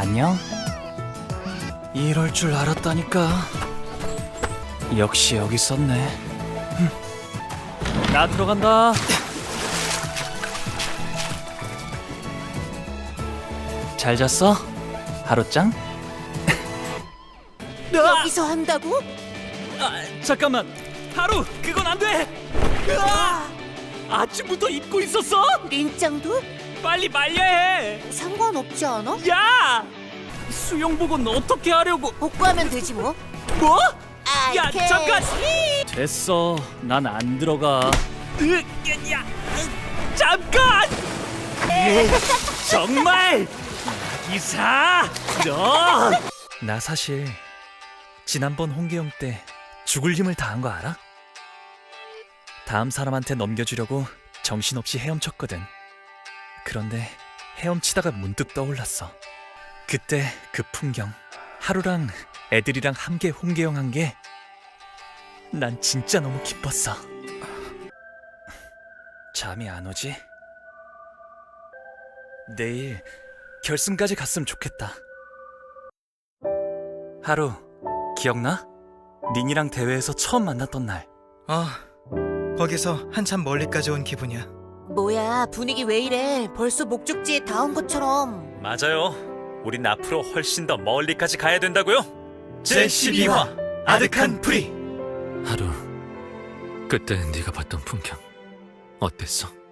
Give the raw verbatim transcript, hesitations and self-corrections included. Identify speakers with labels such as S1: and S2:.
S1: 안녕? 이럴 줄 알았다니까. 역시 여기 있었네. 흠. 나 들어간다. 잘 잤어? 하루짱?
S2: 여기서 한다고?
S1: 아, 잠깐만. 하루, 그건 안 돼. 으아! 아침부터 입고 있었어?
S2: 린짱도?
S1: 빨리 말려야 해.
S2: 상관없지 않아?
S1: 야! 수영복은 어떻게 하려고?
S2: 복구하면 되지 뭐.
S1: 뭐?
S2: 아,
S1: 야,
S2: 이렇게.
S1: 잠깐. 됐어. 난 안 들어가. 으, 야, 으, 잠깐. 으, 정말 이사. 너. 나 사실 지난번 홍계영 때 죽을 힘을 다한 거 알아? 다음 사람한테 넘겨주려고 정신없이 헤엄쳤거든. 그런데 헤엄치다가 문득 떠올랐어. 그때 그 풍경, 하루랑 애들이랑 함께 홍계영 한 게 난 진짜 너무 기뻤어. 잠이 안 오지? 내일 결승까지 갔으면 좋겠다. 하루, 기억나? 린이랑 대회에서 처음 만났던 날.
S3: 아, 거기서 한참 멀리까지 온 기분이야.
S2: 뭐야, 분위기 왜 이래? 벌써 목적지에 다 온 것처럼.
S1: 맞아요. 우린 앞으로 훨씬 더 멀리까지 가야 된다고요.
S3: 제십이 화 아득한 프리.
S4: 하루, 그때 네가 봤던 풍경 어땠어?